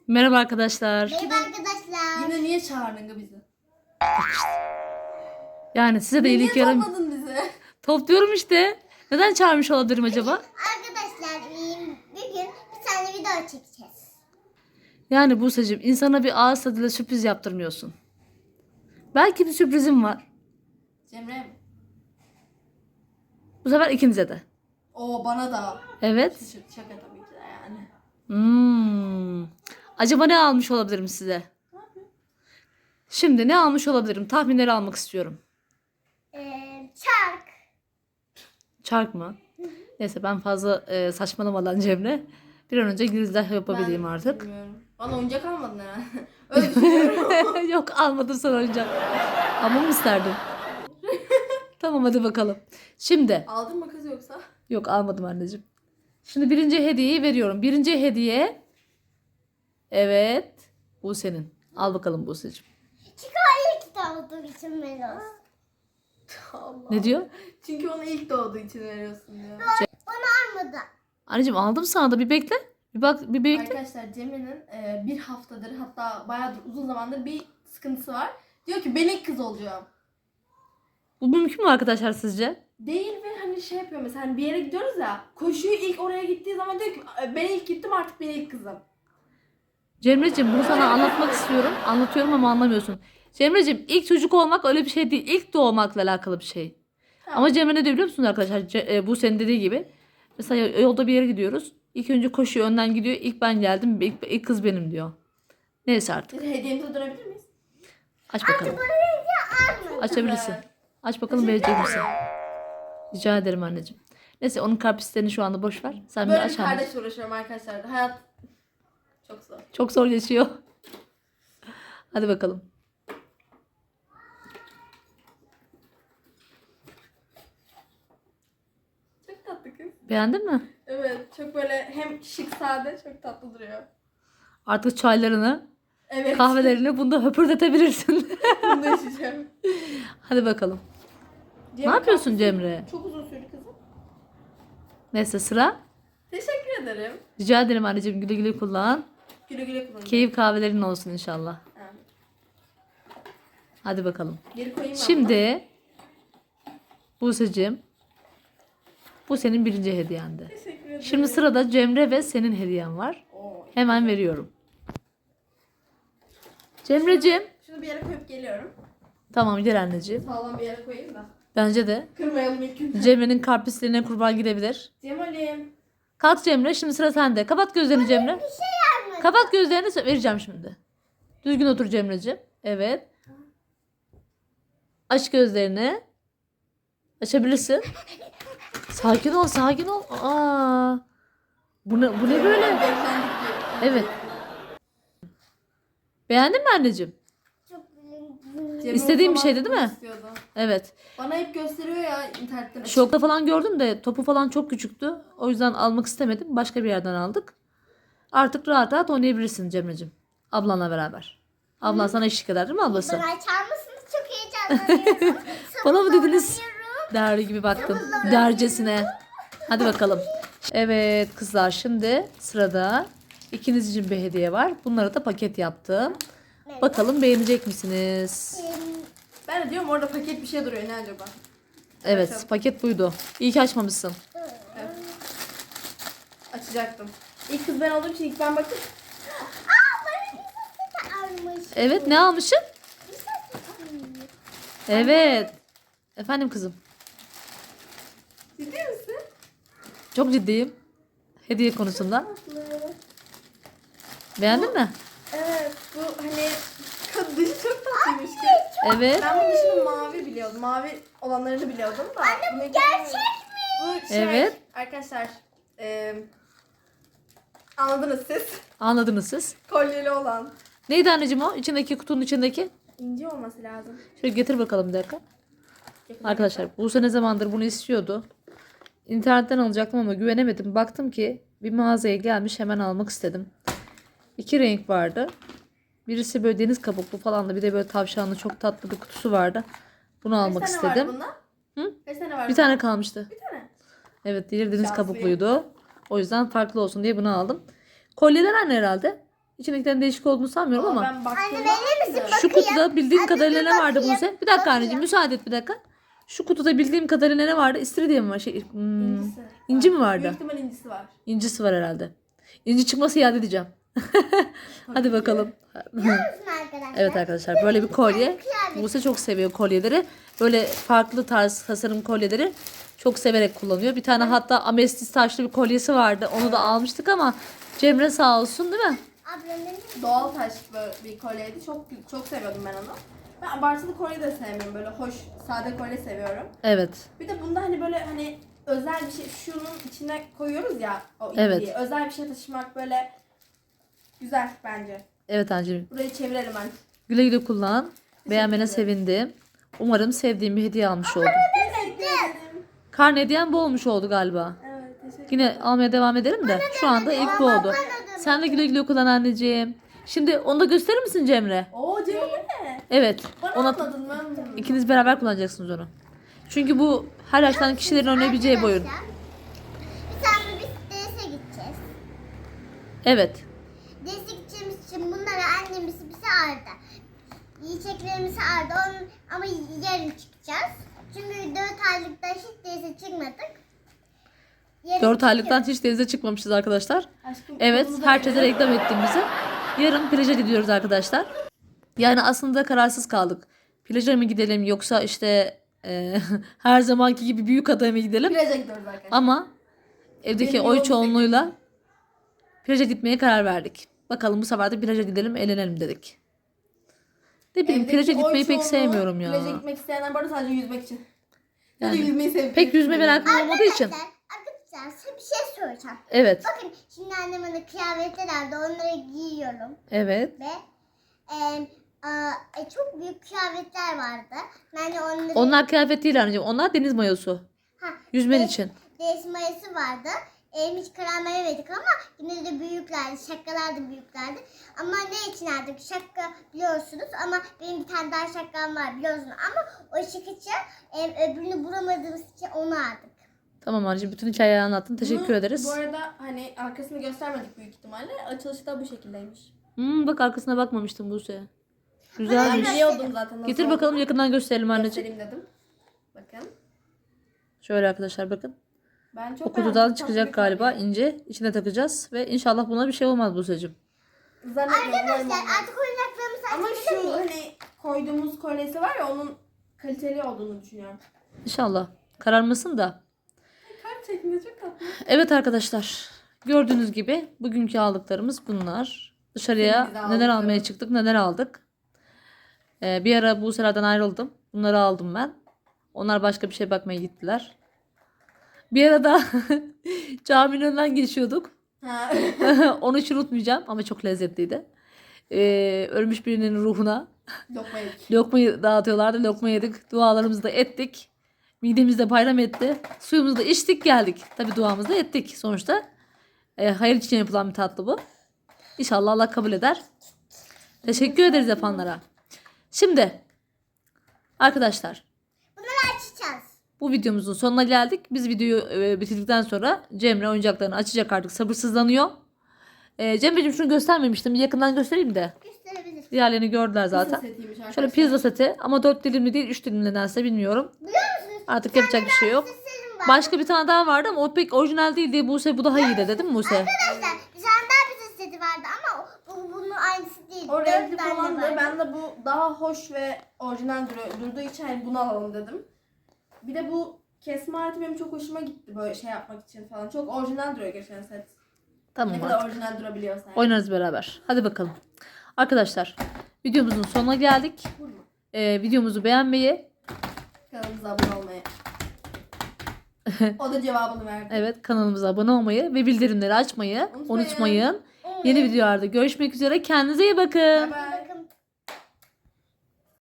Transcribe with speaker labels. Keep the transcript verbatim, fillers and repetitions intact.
Speaker 1: Merhaba arkadaşlar.
Speaker 2: Merhaba arkadaşlar.
Speaker 3: Yine niye çağırdın bizi?
Speaker 1: Yani size de iyilik
Speaker 3: Niye
Speaker 1: yaram.
Speaker 3: topladın bizi?
Speaker 1: Topluyorum işte. Neden çağırmış olabilirim acaba?
Speaker 2: Arkadaşlar bugün bir tane video çekeceğiz.
Speaker 1: Yani Buse'cim insana bir ağız tadıyla sürpriz yaptırmıyorsun. Belki bir sürprizim var.
Speaker 3: Cemre mi?
Speaker 1: Bu sefer ikinize de.
Speaker 3: Oo bana da.
Speaker 1: Evet.
Speaker 3: Şaka, şaka tabii ki de yani.
Speaker 1: Hmm. Acaba ne almış olabilirim size? Şimdi ne almış olabilirim? Tahminleri almak istiyorum.
Speaker 2: Ee, çark.
Speaker 1: Çark mı? Neyse ben fazla e, saçmalamadan Cemre. Bir an önce girizgah yapabileyim
Speaker 3: Ben
Speaker 1: artık.
Speaker 3: bilmiyorum. Bana oyuncak almadın herhalde. Öyle düşünüyorum.
Speaker 1: Yok almadım sana oyuncak. Ama mı isterdin? Tamam hadi bakalım. Şimdi.
Speaker 3: Aldın mı kız yoksa?
Speaker 1: Yok almadım anneciğim. Şimdi birinci hediyeyi veriyorum. Birinci hediye. Evet. Bu senin. Al bakalım Buse'cim.
Speaker 2: Çünkü o ilk doğduğu için Melos.
Speaker 3: Allah.
Speaker 1: Ne diyor?
Speaker 3: Çünkü ona ilk doğduğu için veriyorsun diyor.
Speaker 2: Onu almadı.
Speaker 1: Anneciğim aldım sana da bir bekle. Bir bak bir bekle.
Speaker 3: Arkadaşlar Cemre'nin e, bir haftadır hatta bayağıdır uzun zamandır bir sıkıntısı var. Diyor ki ben ilk kız olacağım.
Speaker 1: Bu mümkün mü arkadaşlar sizce?
Speaker 3: Değil ve hani şey yapıyor mesela hani bir yere gidiyoruz ya koşuyor ilk oraya gittiği zaman diyor ki ben ilk gittim artık ben ilk kızım.
Speaker 1: Cemre'cim bunu sana anlatmak istiyorum. Anlatıyorum ama anlamıyorsun. Cemre'cim ilk çocuk olmak öyle bir şey değil. İlk doğmakla alakalı bir şey.
Speaker 3: Tamam.
Speaker 1: Ama Cemre ne diyor biliyor musunuz arkadaşlar? Ce- e, bu senin dediği gibi. Mesela yolda bir yere gidiyoruz. İlk önce koşuyor önden gidiyor. İlk ben geldim. İlk, ilk kız benim diyor. Neyse artık.
Speaker 3: Biz hediyemize dönebilir miyiz?
Speaker 1: Aç bakalım. Açabilirsin. Aç bakalım beğenecek misin? Rica ederim anneciğim. Neyse onun karpislerini şu anda boş ver. Sen bir
Speaker 3: Böyle bir
Speaker 1: aç anneciğim.
Speaker 3: kardeş uğraşıyorum arkadaşlar. Hayat çok zor.
Speaker 1: Çok zor geçiyor. Hadi bakalım.
Speaker 3: Çok tatlı kız.
Speaker 1: Beğendin mi?
Speaker 3: Evet çok böyle hem şık sade çok tatlı duruyor.
Speaker 1: Artık çaylarını,
Speaker 3: Evet.
Speaker 1: kahvelerini bunda höpürdetebilirsin.
Speaker 3: Bunu da içeceğim.
Speaker 1: Hadi bakalım.
Speaker 3: Cemre,
Speaker 1: Ne yapıyorsun
Speaker 3: kalk-
Speaker 1: Cemre?
Speaker 3: Çok uzun sürdü kızım.
Speaker 1: Neyse sıra.
Speaker 3: Teşekkür ederim.
Speaker 1: Rica ederim anneciğim güle güle kullan.
Speaker 3: Güle güle kullanın.
Speaker 1: Keyif kahvelerin olsun inşallah.
Speaker 3: Ha.
Speaker 1: Hadi bakalım.
Speaker 3: Geri koyayım ben
Speaker 1: Şimdi Buse'cim bu senin birinci hediyendi.
Speaker 3: bunu. Teşekkür ederim.
Speaker 1: Şimdi sırada Cemre ve senin hediyen var.
Speaker 3: Oo.
Speaker 1: Hemen veriyorum. Cemre'cim.
Speaker 3: Şunu bir yere koyup geliyorum.
Speaker 1: Tamam gel anneciğim.
Speaker 3: Sağlam bir yere koyayım da.
Speaker 1: Bence de.
Speaker 3: Kırmayalım ilk günden.
Speaker 1: Cemre'nin karpislerine kurban gidebilir.
Speaker 3: Cemal'im.
Speaker 1: Kalk Cemre şimdi sıra sende. Kapat gözlerini Cemre.
Speaker 2: Bir şey almadı.
Speaker 1: Kapat gözlerini sö- vereceğim şimdi. Düzgün otur Cemre'ciğim. Evet. Aç gözlerini. Açabilirsin. Sakin ol, sakin ol. Aa. Bu ne, bu ne böyle?
Speaker 3: Beklendik diye.
Speaker 1: Evet. Beğendin mi anneciğim?
Speaker 2: Çok güzel.
Speaker 3: Cemre
Speaker 1: İstediğin
Speaker 3: o
Speaker 1: bir
Speaker 3: zaman
Speaker 1: şeydi değil mi?
Speaker 3: istiyordu.
Speaker 1: Evet.
Speaker 3: Bana hep gösteriyor ya internetten. açıp.
Speaker 1: Şokta falan gördüm de topu falan çok küçüktü. O yüzden almak istemedim. Başka bir yerden aldık. Artık rahat rahat oynayabilirsin Cemre'ciğim. Ablanla beraber. Ablan sana eşlik eder değil mi ablası?
Speaker 2: Bana açar mısınız? Çok heyecanlanıyorum.
Speaker 1: Bana mı dediniz?
Speaker 2: Sabırlanamıyorum.
Speaker 1: Değerli gibi baktım. Dercesine. Hadi bakalım. Evet kızlar şimdi sırada ikiniz için bir hediye var. Bunları da paket yaptım.
Speaker 2: Evet.
Speaker 1: Bakalım beğenecek misiniz?
Speaker 2: Ee,
Speaker 3: Ben de diyorum orada paket bir şey duruyor ne acaba?
Speaker 1: Evet
Speaker 3: Açalım.
Speaker 1: paket buydu. İyi ki açmamışsın.
Speaker 3: Evet. Açacaktım. İlk kız ben olduğum için ilk ben bakıp
Speaker 2: Aa bana bir sesi almış.
Speaker 1: Evet ne almışsın?
Speaker 2: Bir sesi.
Speaker 1: Evet. Efendim kızım.
Speaker 3: ciddi misin?
Speaker 1: Çok ciddiyim. Hediye konusunda. Beğendin mi?
Speaker 3: Evet bu hani kız dışı çok tatlıymış ki.
Speaker 1: Evet.
Speaker 3: Ben bu dışının mavi biliyordum. Mavi olanlarını biliyordum da. Anne bu gerçek mi? Bu şey
Speaker 1: Evet.
Speaker 3: arkadaşlar e, anladınız siz.
Speaker 1: Anladınız siz.
Speaker 3: Kolyeli olan.
Speaker 1: Neydi anneciğim o? İçindeki kutunun içindeki.
Speaker 3: İnce olması lazım.
Speaker 1: Şöyle getir bakalım bir dakika.
Speaker 3: Yakın
Speaker 1: Arkadaşlar Buse ne zamandır bunu istiyordu. İnternetten alacaktım ama güvenemedim. Baktım ki bir mağazaya gelmiş hemen almak istedim. İki renk vardı. Birisi böyle deniz kabuklu falan da bir de böyle tavşanlı çok tatlı bir kutusu vardı. Bunu almak
Speaker 3: Kaç tane
Speaker 1: istedim.
Speaker 3: var bunda?
Speaker 1: Hı?
Speaker 3: Kaç tane var?
Speaker 1: Bir tane kalmıştı.
Speaker 3: Bir tane.
Speaker 1: Evet diğeri deniz
Speaker 3: Şanslıyım.
Speaker 1: kabukluydu. O yüzden farklı olsun diye bunu aldım. Kolyeler aynı herhalde. İçindekilerin değişik olduğunu sanmıyorum ama.
Speaker 3: Ben baktığımda
Speaker 2: Anne, verir misin?
Speaker 3: aynı.
Speaker 1: Şu kutuda bildiğim
Speaker 2: Anne,
Speaker 1: kadarıyla
Speaker 2: bir
Speaker 1: ne vardı
Speaker 2: bakayım,
Speaker 1: Buse? Bir dakika
Speaker 2: bakayım.
Speaker 1: anneciğim müsaade et bir dakika. Şu kutuda bildiğim kadarıyla ne vardı? İstiridye mi var? Şey, hmm,
Speaker 3: İncisi.
Speaker 1: İnci mi
Speaker 3: var.
Speaker 1: vardı?
Speaker 3: Büyük ihtimal incisi var.
Speaker 1: İncisi var herhalde. İnci çıkması iade edeceğim. Hadi
Speaker 3: ki.
Speaker 1: bakalım.
Speaker 2: Biliyor musun arkadaşlar?
Speaker 1: Evet arkadaşlar böyle bir kolye.
Speaker 2: kıyafet.
Speaker 1: Buse çok seviyor kolyeleri. Böyle farklı tarz tasarım kolyeleri çok severek kullanıyor. Bir tane hatta amestist taşlı bir kolyesi vardı. Onu da almıştık ama Cemre sağ olsun değil mi?
Speaker 2: Ablamın
Speaker 3: Doğal taş böyle bir kolyeydi. Çok çok seviyordum ben onu. Ben abartılı kolye de sevmiyorum. Böyle hoş, sade kolye seviyorum.
Speaker 1: Evet.
Speaker 3: Bir de bunda hani böyle hani özel bir şey şunun içine koyuyoruz ya o ipliği.
Speaker 1: Evet.
Speaker 3: Özel bir şey taşımak böyle güzel bence.
Speaker 1: Evet anneciğim.
Speaker 3: Burayı çevirelim ben.
Speaker 1: Güle güle kullan. Beğenmene
Speaker 3: ederim.
Speaker 1: sevindim. Umarım sevdiğim bir hediye almış oldum.
Speaker 3: Teşekkür ederim.
Speaker 1: Karne hediyen bu olmuş oldu galiba.
Speaker 3: Evet teşekkür
Speaker 1: Yine almaya devam edelim de şu anda ilk bu oldu. Sen de güle güle kullan anneciğim. Şimdi onu da gösterir misin Cemre?
Speaker 3: Oo Cemre ne?
Speaker 1: Evet.
Speaker 3: Bana
Speaker 1: Ona
Speaker 3: atmadın mı?
Speaker 1: ikiniz beraber kullanacaksınız onu. Çünkü bu her yaştan kişilerin oynayabileceği bir oyun.
Speaker 2: Arkadaşlar, bir tane biz derse gideceğiz.
Speaker 1: Evet.
Speaker 2: Derse gideceğimiz için bunlara annemiz bize aldı. Yiyeceklerimizi aldı. Onun, ama yarın çıkacağız. Çünkü dört aylıkta hiç derse çıkmadık. Yarın
Speaker 1: dört aylıktan
Speaker 2: çıkıyoruz.
Speaker 1: hiç denize çıkmamışız arkadaşlar.
Speaker 3: Aşkım,
Speaker 1: Evet,
Speaker 3: kolumuza
Speaker 1: herkese
Speaker 3: verelim.
Speaker 1: reklam ettiğimizi. Yarın plaja gidiyoruz arkadaşlar. Yani aslında kararsız kaldık. Plaja mı gidelim yoksa işte e, her zamanki gibi büyük adaya mı gidelim?
Speaker 3: Plaja gidiyoruz arkadaşlar.
Speaker 1: Ama evdeki
Speaker 3: Benim
Speaker 1: oy
Speaker 3: yolum
Speaker 1: çoğunluğuyla plaja gitmeye karar verdik. Bakalım bu sefer de plaja gidelim, eğlenelim dedik. Ne bileyim
Speaker 3: Evdeki
Speaker 1: plaja
Speaker 3: oy
Speaker 1: gitmeyi pek
Speaker 3: çoğunluğu
Speaker 1: sevmiyorum ya.
Speaker 3: Plaja gitmek isteyenler bu arada sadece yüzmek için. Ya da
Speaker 1: Yani
Speaker 3: yüzmeyi seviyorum.
Speaker 1: pek yüzme merakım olmadığı için.
Speaker 2: Arkadaşlar, arkadaşlar size bir şey soracağım.
Speaker 1: Evet.
Speaker 2: Bakın şimdi annem bana kıyafetler aldı. Onları giyiyorum.
Speaker 1: Evet.
Speaker 2: Ve e, a, e, çok büyük kıyafetler vardı. Yani onları...
Speaker 1: Onlar kıyafet değil anneciğim. Onlar deniz mayosu.
Speaker 2: Ha,
Speaker 1: Yüzmen
Speaker 2: de-
Speaker 1: için.
Speaker 2: Deniz mayası vardı. E, hiç karar veremedik ama yine de büyüklerdi. Şapkalar da büyüklerdi. Ama ne için aldık? Şapka biliyorsunuz ama benim bir tane daha şapkam var biliyorsunuz. Ama o şıkıcı e, öbürünü bulamadığımız için onu aldık.
Speaker 1: Tamam anneciğim bütün hikayeyi anlattın. Teşekkür
Speaker 3: Bunu
Speaker 1: ederiz.
Speaker 3: Bu arada hani arkasını göstermedik büyük ihtimalle. Açılışı da bu şekildeymiş.
Speaker 1: Hmm, bak arkasına bakmamıştım Buse.
Speaker 3: Ben
Speaker 1: Güzelmiş.
Speaker 3: biliyordum zaten nasıl
Speaker 1: Getir bakalım
Speaker 3: olduğunu.
Speaker 1: yakından gösterelim anneciğim.
Speaker 3: Göstereyim dedim. Bakın.
Speaker 1: Şöyle arkadaşlar bakın.
Speaker 3: Ben çok
Speaker 1: O kutudan
Speaker 3: beğendim.
Speaker 1: çıkacak
Speaker 3: Tatlı
Speaker 1: galiba
Speaker 3: bir
Speaker 1: ince. İçine takacağız ve inşallah buna bir şey olmaz Buse'cim.
Speaker 3: kolye. Zannetmiyorum. umarım
Speaker 2: Arkadaşlar
Speaker 3: olmaz.
Speaker 2: artık oyuncaklarımızı
Speaker 3: Ama
Speaker 2: açabilir
Speaker 3: şu
Speaker 2: miyiz?
Speaker 3: hani koyduğumuz kolyesi var ya onun kaliteli olduğunu düşünüyorum.
Speaker 1: İnşallah. Kararmasın da.
Speaker 3: Kalp şeklinde çok tatlı.
Speaker 1: Evet arkadaşlar. Gördüğünüz gibi bugünkü aldıklarımız bunlar. Dışarıya
Speaker 3: Senin bize
Speaker 1: neler almaya
Speaker 3: aldıkların.
Speaker 1: çıktık neler aldık. Ee, bir ara Buse'lerden ayrıldım. Bunları aldım ben. Onlar başka bir şey bakmaya gittiler. Bir ara da caminin önünden geçiyorduk.
Speaker 3: Ha.
Speaker 1: Onu hiç unutmayacağım ama çok lezzetliydi. Ee, ölmüş birinin ruhuna
Speaker 3: Lokma yedik.
Speaker 1: lokmayı dağıtıyorlardı. Lokma yedik. Dualarımızı da ettik. Midemizde bayram etti. Suyumuzu da içtik geldik. Tabi duamızı da ettik. Sonuçta e, hayır için yapılan bir tatlı bu. İnşallah Allah kabul eder. Teşekkür ederiz yapanlara. Şimdi arkadaşlar
Speaker 2: Bunları açacağız.
Speaker 1: bu videomuzun sonuna geldik. Biz videoyu e, bitirdikten sonra Cemre oyuncaklarını açacak artık sabırsızlanıyor. E, Cemre'cim şunu göstermemiştim. Bir yakından göstereyim de.
Speaker 2: Gösterebiliriz.
Speaker 1: Diğerlerini gördüler zaten.
Speaker 3: Pizza setiymiş
Speaker 1: Şöyle
Speaker 3: arkadaşlar.
Speaker 1: pizza seti ama dört dilimli değil üç dilimli nedense bilmiyorum.
Speaker 2: Biliyor musunuz?
Speaker 1: Artık yapacak bir şey yok.
Speaker 2: Sesim var.
Speaker 1: Başka bir tane daha vardı ama o pek orijinal değil diye Buse bu daha iyi dedi değil mi Buse?
Speaker 2: Arkadaşlar bir tane daha bir seti vardı ama o- bu, bunun aynısı değil.
Speaker 3: O
Speaker 2: Dört
Speaker 3: renkli
Speaker 2: tane
Speaker 3: falandı.
Speaker 2: vardı.
Speaker 3: Ben de bu daha hoş ve orijinal dur- durduğu için hani bunu alalım dedim. Bir de bu kesme aleti benim çok hoşuma gitti böyle şey yapmak için falan. Çok orijinal duruyor geçen set.
Speaker 1: Tamam
Speaker 3: Ne kadar
Speaker 1: artık.
Speaker 3: orijinal durabiliyorsa. Yani.
Speaker 1: Oynarız beraber. Hadi bakalım. Arkadaşlar videomuzun sonuna geldik.
Speaker 3: Vurma.
Speaker 1: Ee, videomuzu beğenmeyi,
Speaker 3: Kanalımıza abone olmayı. O da cevabını verdi.
Speaker 1: evet kanalımıza abone olmayı ve bildirimleri açmayı
Speaker 3: Unutmayın.
Speaker 1: unutmayın. Yeni videolarda görüşmek üzere. Kendinize iyi bakın.
Speaker 3: Bye bye.